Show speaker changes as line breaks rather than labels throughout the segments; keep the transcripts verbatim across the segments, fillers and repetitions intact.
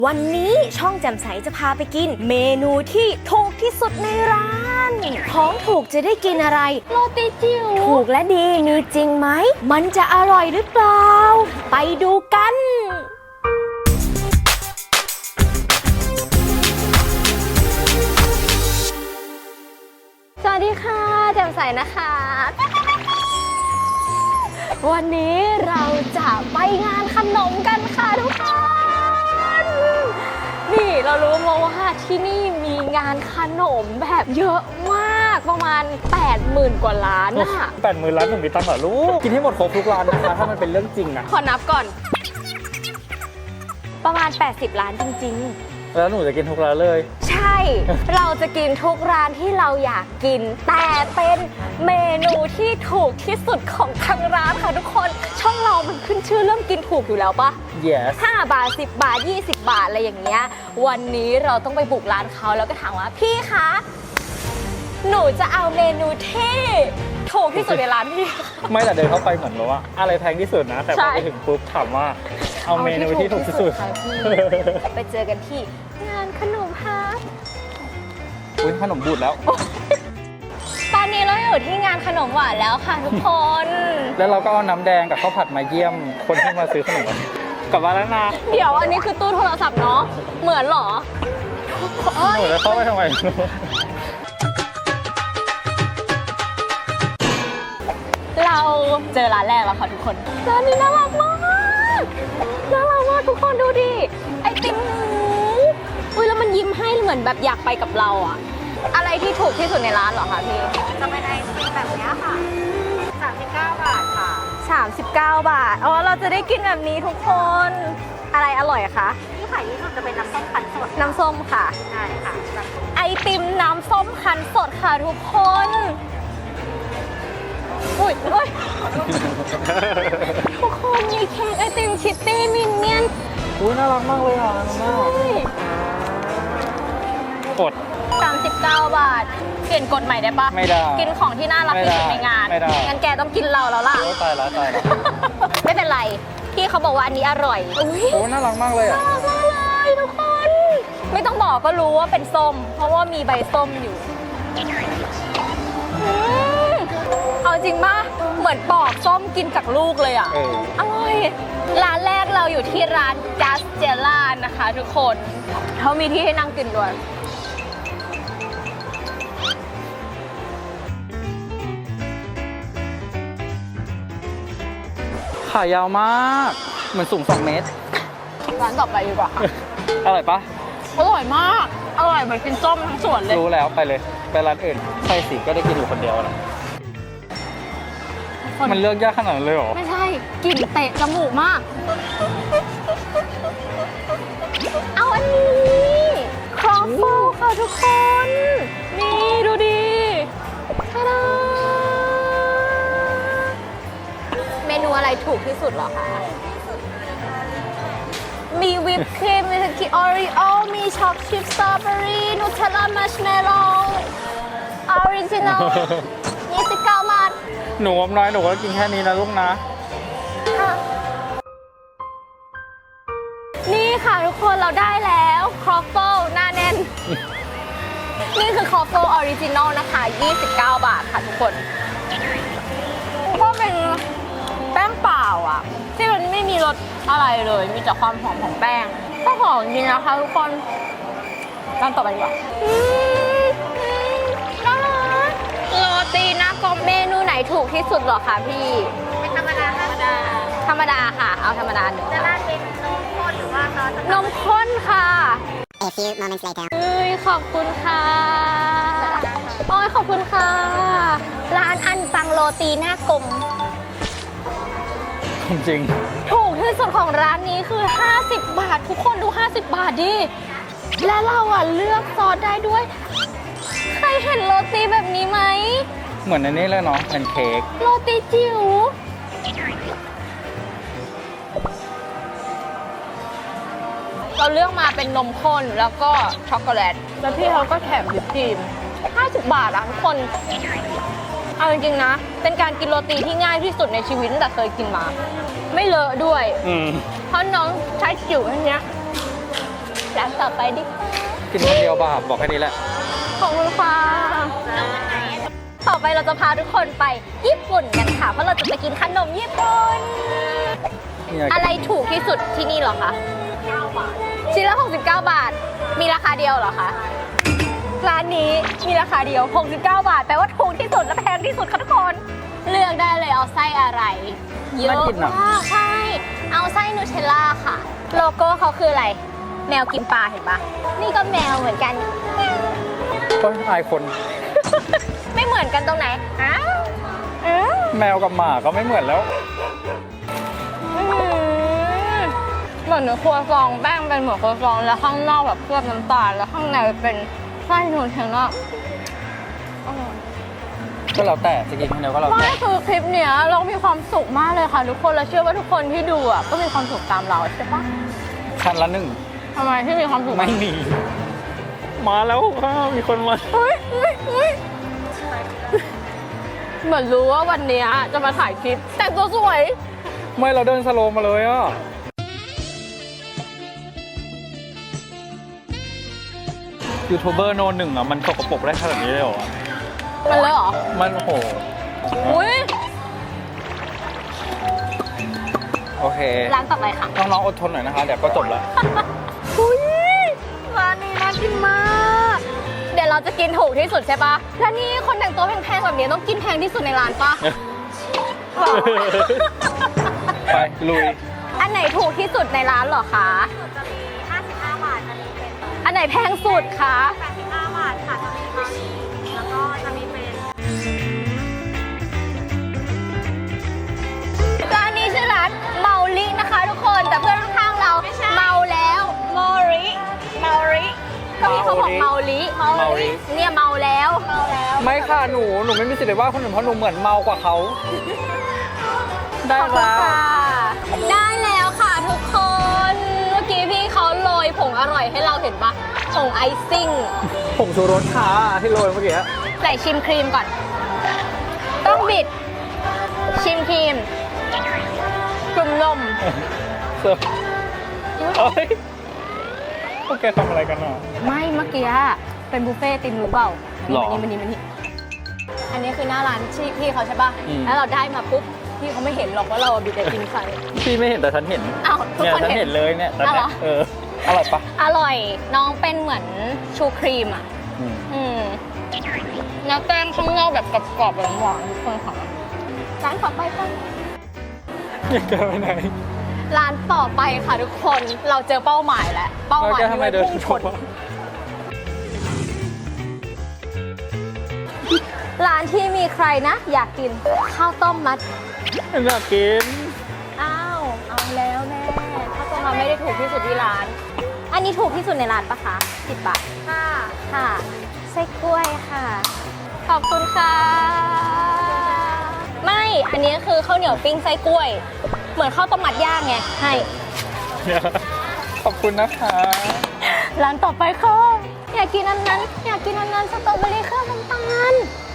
วันนี้ช่องแจ่มใสจะพาไปกินเมนูที่ถูกที่สุดในร้านของถูกจะได้กินอะไรโรตีจิ๋วถูกและดีมีจริงไหมมันจะอร่อยหรือเปล่าไปดูกันสวัสดีค่ะแจ่มใสนะคะวันนี้เราจะไปงานขนมกันค่ะทุกคนนี่เรารู้มาว่าที่นี่มีงานขนมแบบเยอะมากประมาณ แปดหมื่น กว่าร้านอะ
แปดหมื่นร้านหนึ่งมีตังค์เหรอลูกกินให้หมดครบทุกร้านนะคะถ้ามันเป็นเรื่องจริงอะ
ขอนับก่อนประมาณแปดสิบล้านจริงๆ
แล้วหนูจะกินทุกร้านเลย
ใช่ เราจะกินทุกร้านที่เราอยากกินแต่เป็นเมนูที่ถูกที่สุดของทางร้านค่ะทุกคนช่องเรามันขึ้นชื่อเรื่องกินถูกอยู่แล้วปะ
yes
ห้าบาทสิบบาทยี่สิบบาทอะไรอย่างเงี้ยวันนี้เราต้องไปบุกร้านเขาแล้วก็ถามว่าพี่คะหนูจะเอาเมนูที่ถูกที่สุดในร้านพี่
ไม่แต่เดินเข้าไปเหมือนแบบว่าอะไรแพงที่สุดนะแต่พอไปถึงปุ๊บถามว่าเอาเมนูที่ถูกที่สุด
ไปเจอกันที่งานขนมฮาร์ด
อุ้ยขนมบูดแล้ว
ตอนนี้เราอยู่ที่งานขนมหวานแล้วค่ะทุกคน
แล้วเราก็เอาน้ำแดงกับข้าวผัดมาเยี่ยมคนที่มาซื้อขนมกลับมาแล้วนะ
เดี๋ยวอันนี้คือตู้โทรศัพท์เนาะเหมือนหรอ
หนูจะเข้าไปทำไม
เราเจอร้านแรกแล้วค่ะทุกคนร้านนี้น่ารักมากน่ารักมากทุกคนดูดิไอติมอุ้ยแล้วมันยิ้มให้เหมือนแบบอยากไปกับเราอะอะไรที่ถูกที่สุดในร้านเหรอคะพี่
จะเป็นไอติมแบบนี้ค่ะสามสิบเก้าบาทค่ะ
สามสิบเก้าบาทอ๋อเราจะได้กินแบบนี้ทุกคนอะไรอร่อยคะ
ที่ขายที่สุดจะเป็นน้ำส้มคั้นสด
น้ำส้มค่ะ
ใช่ค่ะ
ไอติมน้ำส้มคั้นสดค่ะทุกคนอุ้ยอุ้ยทุกคนมีเค้กไอติมชิตตี้มินเนี่ยน
อุ้ยน่ารักมากเลยอ่ะน้องแม่กด
สามสิบเก้าบาทเปลี่ยนกฎใหม่ได้ปะ
ไม่ได้
กินของที่น่ารักที่สุดในงาน
ไม่ได้
งั้นแกต้องกินเราแล้วล่ะ
ตายแล้วตายแล้ว
ไม่เป็นไรพี่เขาบอกว่าอันนี้อร่อยอุ้ย
โอ้น่ารักมากเลยอ่ะ
น่ารักมากเลยทุกคนไม่ต้องบอกก็รู้ว่าเป็นส้มเพราะว่ามีใบส้มอยู่เอาจริงป่ะเหมือนปอกส้มกินจากลูกเลยอ่ะอร่อยร้านแรกเราอยู่ที่ร้าน Just Jella นะคะทุกคนเขามีที่ให้นั่งกินด้วย
ขายาวมากเหมือนสูงสองเมตร
ร้านต่อไปดีกว่าค่ะ
อร่อยปะ
อร่อยมากอร่อยเหมือนกินส้มทั้งสวนเลย
รู้แล้วไปเลยไปร้านอื่นใช่สิก็ได้กินอยู่คนเดียวนะมันเลือกยากขนาดนั้นเลยเหรอ
ไม่ใช่กลิ่นเตะจมูกมากเอาอันนี้ครอฟเฟิลค่ะทุกคนนี่ดูดิทาดาเมนูอะไรถูกที่สุดเหรอคะมีวิปครีมมีสกีออริโอมีช็อกชิพสตรอเบอรี่นูเทลล่ามัชเมลโล่ออริจินอลยี่สิบเก้าบาท
หนูอมน้อยหนูก็กินแค่นี้นะลูกนะ
นี่ค่ะทุกคนเราได้แล้วครอฟเฟิลหน้าแน่น นี่คือครอฟเฟิลออริจินอลนะคะยี่สิบเก้าบาทค่ะทุกคนก็เป็นแป้งเปล่าอ่ะที่มันไม่มีรสอะไรเลยมีแต่ความหอมของแป้งก็หอมจริงนะคะทุกคนร้านต่อไปดีกว่าน่ารักโรตีหน้ากลมเมนูไหนถูกที่สุดหรอคะพี่
เป็นธรรมดาธรรมดา
ธรรมดาค่ะเอาธรรมดาหนึ่ง
จะราดเป็นนมข้นหรือว่าซอส
นมข้นค่ะ
A few moments later
เอ้ยขอบคุณค่ะโอ้ยขอบคุณค่ะร้านอันปังโรตีหน้ากลม
จริง
ถูกที่สุดของร้านนี้คือห้าสิบบาททุกคนดูห้าสิบบาทดิและเราอ่ะเลือกซอสได้ด้วยใครเห็นโรตีแบบนี้ไหม
เหมือนในนี้เลยเนาะเป็นเค้ก
โรตีจิ๋วเราเลือกมาเป็นนมข้นแล้วก็ช็อกโกแลตแล้วพี่เขาก็แถมวิปครีมห้าสิบบาทอะทุกคนเอาจริงๆนะเป็นการกินโรตีที่ง่ายที่สุดในชีวิตตั้งแต่เคยกินมาไม่เลอะด้วยเพราะน้องใช้จิ๋วอันเนี้ยต่อไปดิ
กินคนเดียวบาปบอกแค่นี้แหละ
ขอบคุณค่ะต่อไปเราจะพาทุกคนไปญี่ปุ่นกันค่ะ เพราะเราจะไปกินขนมญี่ปุ่น
เนี่ย
อะไรถูกที่สุดที่นี่เหรอคะชิ้นละหกสิบเก้าบาท มีราคาเดียวเหรอคะ ร้านนี้มีราคาเดียวหกสิบเก้าบาท แปลว่าถูกที่สุดและแพงที่สุดค่ะทุกคน เลือกได้เลยเอาไส้อะไร เยอะมากใช่ เอาไส้นูเทลล่าค่ะ โลโก้เขาคืออะไร แมวกินปลาเห็นปะนี่ก็แมวเหมือนกัน
ก็อายคน
ไม่เหมือนกันตรงไหนอ้าวอ้าว
แมวกับหมาก็ไม่เหมือนแล้ว
อื้อหือเหมือนครัวซองแป้งเป็นเหมือนครัวซองแล้วข้างนอกแบบเคลือบน้ำตาลแล้วข้างในเป็นไส้นูเทลล่าอร่อย
ก็แล้วแต่จะกินคนเดียวก็แล้ว
ไม่
แต่
คือคลิปเนี้ยเรามีความสุขมากเลยค่ะทุกคนและเชื่อว่าทุกคนที่ดูอ่ะก็มีความสุขตามเราใช่ปะ
คันละหนึ่ง
ทำไมที่มีความสุข
ไม่มี มาแล้วค่ะมีคนมา
เฮ้ยเฮ้ยเฮ้ยเหมือนรู้ว่าวันเนี้ยจะมาถ่ายคลิปแต่งตัวสวย
ไม่เราเดินสโลว์มาเลยอ่ะยูทูบเบอร์โนหนึ่งอ่ะมันสกปรกได้ขนาดนี้เลยเหรอ
มันเลยเหรอ
มันโอ้โห
อุ้ย
โอเค
ร้านต่อไปค่ะ
น้องๆอดทนหน่อยนะคะเดี๋ยวก็จบแล้ว
อุ้ยร้านนี้น่ากินมาก เดี๋ยวเราจะกินถูกที่สุดใช่ปะแล้วนี่คนแต่งตัวแพงๆแบบนี้ต้องกินแพงที่สุดในร้านปะ
ไปลุย
อันไหนถูกที่สุดในร้านเหรอคะ
จะมีห้าสิบห้าบาทจะมีเป็น
อันไหนแพงสุดคะ
แปดสิบห้าบาทค่ะจะมีบาลีแล้วก็จะมีเป็น
ร้านนี้ชื่อร้านเมาลินะคะทุกคนแต่เพื่อนข้างๆเราเมาแล้วเมาริเมาริก็พี่เขาบอกเมาลิ
เมาลิ
เนี่ยเมาแล้วเมาแล้ว
ไม่ค่ะหนูหนูไม่มีสิทธิ์ไปว่าคนอื่นเพราะหนูเหมือนเมากว่าเขา ได้
ขอบคุณ
แล้ว
ค่ะได้แล้วค่ะทุกคนเมื่อกี้พี่เขาโรยผงอร่อยให้เราเห็นปะผงไอซิ่ง
ผมชูรสค่ะที่โรยเมื่อกี้
ใส่ชิมครีมก่อน ต้องบิด ชิมครีมกลุ่มนม
เสิร์ฟเอ้ยพวกแกทำอะไรกันอ่ะ
ไม่เมื่อกี้เป็นบุฟเฟ่ต์ติมรู้เปล่า
หรอ
มันนี่มันนี่มันนี่อันนี้คือหน้าร้านที่พี่เขาใช่ป่ะ
อืม
แล้วเราได้มาปุ๊บพี่เขาไม่เห็นหรอกว่าเราบิดไอติมใส่
พี่ไม่เห็นแต่ฉันเห็น
อ้าวทุก
เนี่ย
คน
ฉัน
เห็
เห็
น
นเลยเนี่ยตอน
อ้าวเหร
เนี้
อ
ยเอออร่อยปะ
อร่อยน้องเป็นเหมือนชูครีมอ่ะ
อืม
อืมแล้วแป้งข้างนอกแบบกรอบๆหวานๆทุกคนค่ะร้านต่อไปกัน
อยากจะไปไหน
ร้านต่อไปค่ะทุกคนเราเจอเป้าหมายแล้วเป้าห
แล้ว
มาย
แกทำไมเดิน
พุ่งช
ช
น
น
ร้านที่มีใครนะ อยากกินข้าวต้มมัด
อยากกิน
อ้าวเอาแล้วแม่ข้าวต้มมัดไม่ได้ถูกที่สุดที่ร้าน อันนี้ถูกที่สุดในร้านปะคะสิบบาท
ค่ะ
ค่ะไส้กล้วยค่ะ ขอบคุณค่ะ ไม่อันนี้คือข้าวเหนียวปิ้งไส้กล้วย เหมือนข้าวต้มมัดย่างไงให้
ขอบคุณนะคะ
ร้านต่อไปค่ะอยากกินอันนั้น อยากกินอันนั้นสตรอเบอรี่เคลือบน้ำตาล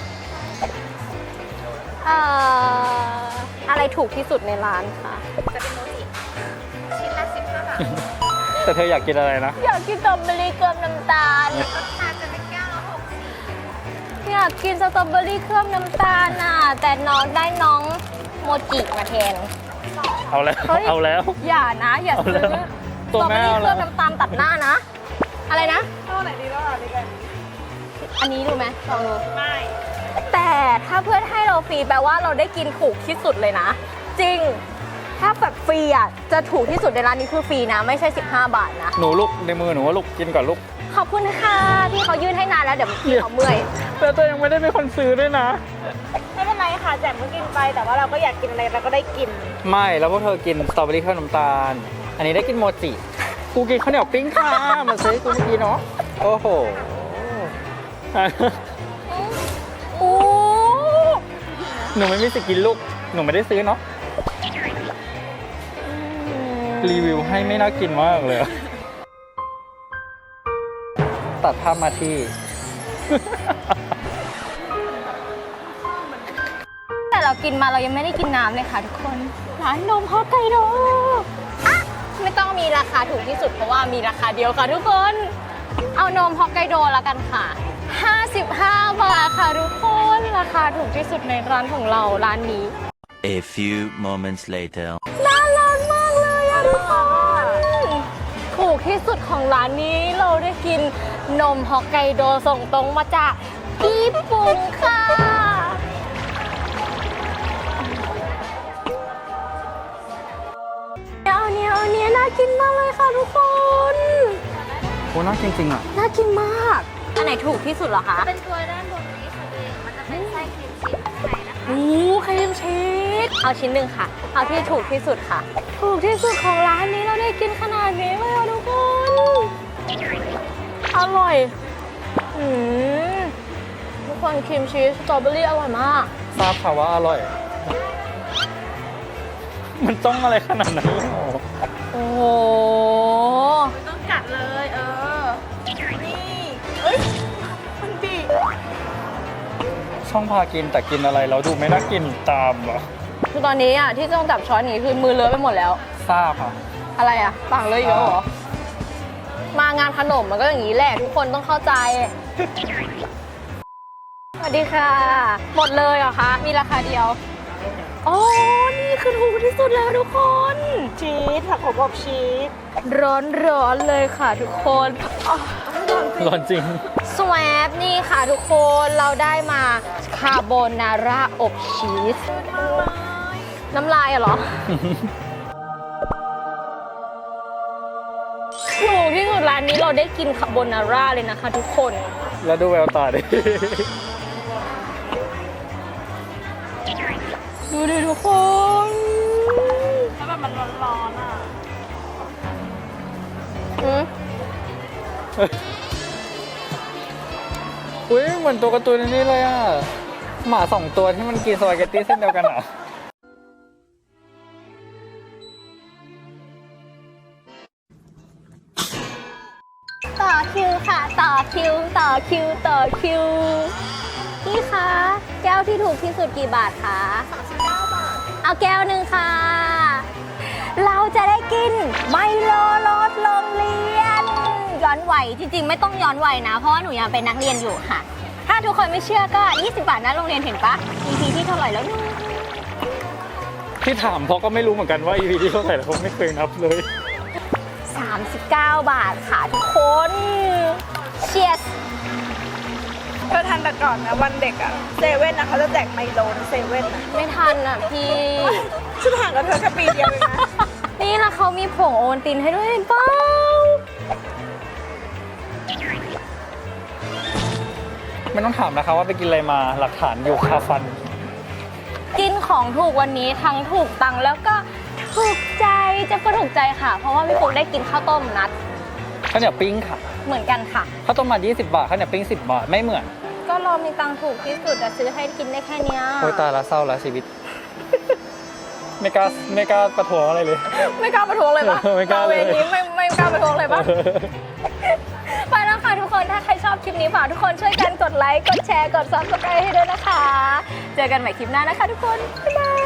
เอ่ออะไรถูกที่สุดในร้านคะ
จะเป็นโมจิชิ้นละสิบห้าบาท
แต่เธออยากกินอะไรนะ
อยากกินสตรอเบอรี่เคลือบน้ำตาล
รสชาติจะเป็นแก้วละหกสิบ
อยากกินสตรอเบอรี่เคลือบน้ำตาลน่ะแต่น้องได้น้องโมจิมาแทน
เอาแล้ว
เฮ้ย
เอาแล้ว
อย่านะ อย่าซื้อ
เอาแล้ว
สตรอเบอรี่
ตัว
เค
แม่
ลื
เอา
อบ
แล้ว
น้ำตาลตัดหน้านะ อะไรนะ
ตัวไหนดีบ้างดีกัน
อันนี้ดูไหมลองดู
ไม่
แต่ถ้าเพื่อนให้เราฟรีแปลว่าเราได้กินถูกที่สุดเลยนะ จริง ถ้าแบบฟรีอ่ะจะถูกที่สุดในร้านนี้คือฟรีนะ ไม่ใช่ สิบห้า บาทนะ
หนูลูกในมือหนูว่าลูกกินก่อนลูก
ขอบคุณค่ะที่เขายื่นให้นานแล้วเดี๋ยวพี่เขาเมื่อย
แต่ตัวยังไม่ได้เป็นคนซื้อด้วยนะ
ไม่เป็นไรค่ะแจมก็กินไปแต่ว่าเราก็อยากกินอะไรเราก็ได้กิน
ไม่แล้วพวกเธอกินสตรอเบอรี่ข้าวน้ำตาล อันนี้ได้กินโมจิ กูกินข้าวเหนียวปิ้งค่ะ มาซื้อกูเมื่อกี้เนาะ โอ้โห
โอ้
หนูไม่มีสิทธิ์กินลูก หนูไม่ได้ซื้อเนาะ รีวิวให้ไม่น่ากินมากเลยอะตัดภาพมาที่
แต่เรากินมาเรายังไม่ได้กินน้ำเลยค่ะทุกคน ร้านนมฮอกไกโดอ่ะไม่ต้องมีราคาถูกที่สุดเพราะว่ามีราคาเดียวค่ะทุกคน เอานมฮอกไกโดแล้วกันค่ะ ห้าสิบห้า บาทค่ะทุกคน ราคาถูกที่สุดในร้านของเราร้านนี้
A few moments later.
น่ารักมากเลยอะทุกคนถูกที่สุดของร้านนี้เราได้กินนมฮอกไกโดส่งตรงมาจากญี่ปุ่นค่ะเอาเนี้ยเอาเนี้ยน่ากินมากเลยค่ะทุกคน
โอ้น่ากินจริงอ่ะ
น่ากินมาก อันไหนถูกที่สุดเหรอคะ
เป็นตัวด้านบนนี้ค่ะตัวเองมันจะเป็นไส้ครีมชีสข้างในนะคะ
โอ้ครีมชีสเอาชิ้นหนึ่งค่ะ เอาที่ถูกที่สุดค่ะ ถูกที่สุดของร้านนี้เราได้กินขนาดนี้เลยอะทุกคน อร่อยอืมทุกคนครีมชีสสตรอเบอรี่อร่อยมาก
ทราบค่ะว่าอร่อย มันต้องอะไรขนาดนั้นเลยเหรอ
โอ้โห
ต้องกัดเลยเออ นี่เอ้ยมันดี
ช่องพากินแต่กินอะไรเราดูไม่น่ากินตามเหรอ
คือตอนนี้อ่ะที่ต้องจับช้อนอย่างนี้คือมือเลอะไปหมดแล้ว
ทราบค่ะ
อะไรอ่ะปากเลอะอีกแล้วเหรอ มางานขนมมันก็อย่างนี้แหละทุกคนต้องเข้าใจ สวัสดีค่ะ หมดเลยเหรอคะ มีราคาเดียวโอ้นี่คือถูกที่สุดแล้วทุกคน
ชีสผักขมอบชีส
ร้อนร้อนๆเลยค่ะทุกคนอ๋อ
ร้อนจริง
สวปนี่ค่ะทุกคนเราได้มาคาโบนาร่าอบชีส น้ำลายอะเหรอ ถูกที่สุดร้านนี้เราได้กินคาโบนาร่าเลยนะคะทุกคน
แล้วดูแววตาดิ
ดูดิทุกคน
แล้วแบบมันร้อนๆอ่ะ
อืม
อุ้ยเหมือนตัวการ์ตูนในนี้เลยอ่ะ หมาสองตัวที่มันกินสปาเกตตี้เส้นเดียวกันอ่ะ
ต่อคิวค่ะ ต่อคิว ต่อคิว ต่อคิว พี่คะ แก้วที่ถูกที่สุดกี่บาทคะสามสิบเก้าบาท เอาแก้วหนึ่งค่ะ เราจะได้กินไมโลรสโรงเรียน ย้อนวัยจริงๆ ไม่ต้องย้อนวัยนะ เพราะว่าหนูยังเป็นนักเรียนอยู่ค่ะ ถ้าทุกคนไม่เชื่อก็ ยี่สิบบาทนะโรงเรียนเห็นปะ อี พี ที่เท่าไหร่แล้วเนี่ย
ที่ถามเพราะก็ไม่รู้เหมือนกันว่า อี พี ที่เท่าไหร่แล้วผมไม่เคยนับเลย
สามสิบเก้า บาทค่ะทุกคนเชียร์
เธอทันแต่ก่อนนะวันเด็กอ่ะเซเว่นนะเขาจะแจกไมโลในเซเว่นนะ
ไม่ทันอ่ะพี่
ฉันห่างกับเธอแค่ปีเดียวเองนะ
นี่แล้วเขามีผงโอวัลตินให้ด้วยเห็นเปล่า
ไม่ต้องถามนะคะว่าไปกินอะไรมาหลักฐานอยู่คาฟัน
กินของถูกวันนี้ทั้งถูกตังค์แล้วก็ถูกใจเจะก็ถูกใจค่ะ เพราะว่าพี่ปุ๊กได้กินข้าวต้มนัด
ข้าวเหนียวปิ้งค่ะ
เหมือนกันค่ะ
ข้าวต้มมัดยี่สิบบาท ข้าวเหนียวปิ้งสิบบาท ไม่เหมือน
ก็เรามีตังค์ถูกที่สุดแต่ซื้อให้กินได้แค่เนี้ย
โอ้ยตายละเศร้าละชีวิต ไม่กล้าไม่กล้าประท้วงอะไรเลย
ไม่กล้าประท้วงเลยปะ
ไม่กล้าเลย
ออย่างนี้ไม่ไม่กล้าประท้วงเลยปะ ไปแล้วค่ะทุกคน ถ้าใครชอบคลิปนี้ฝากทุกคนช่วยกันกดไลค์ กดแชร์ กดซับสไครต์ให้ด้วยนะคะ เจอกันใหม่คลิปหน้านะคะทุกคน บ๊ายบาย